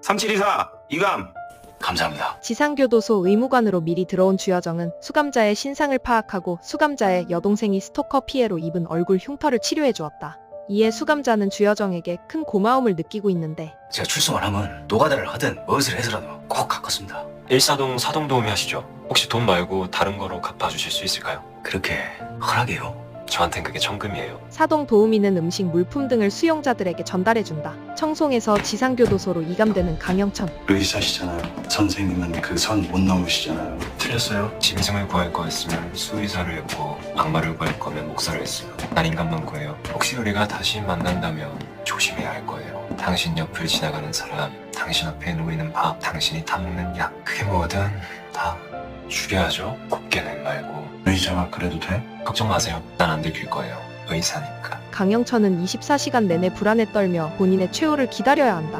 3724 이감. 감사합니다. 지상교도소 의무관으로 미리 들어온 주여정은 수감자의 신상을 파악하고 수감자의 여동생이 스토커 피해로 입은 얼굴 흉터를 치료해 주었다. 이에 수감자는 주여정에게 큰 고마움을 느끼고 있는데 제가 출소만 하면 노가다를 하든 무엇을 해서라도 꼭 갚겠습니다. 일사동 사동 도우미 하시죠? 혹시 돈 말고 다른 거로 갚아주실 수 있을까요? 그렇게 허락해요. 저한텐 그게 천금이에요. 사동 도우미는 음식, 물품 등을 수용자들에게 전달해준다. 청송에서 지상교도소로 이감되는 강영천. 의사시잖아요. 선생님은 그 선 못 넘으시잖아요. 틀렸어요? 짐승을 구할 거였으면 수의사를 했고 악마를 구할 거면 목사를 했어요. 난 인간만 구해요. 혹시 우리가 다시 만난다면 조심해야 할 거예요. 당신 옆을 지나가는 사람, 당신 앞에 놓이는 밥, 당신이 타먹는 약, 그게 뭐든 다 죽여야죠. 곱게는 말고. 의자가 그래도 돼? 걱정 마세요. 난 안 들킬 거예요. 의사니까. 강영천은 24시간 내내 불안에 떨며 본인의 최후를 기다려야 한다.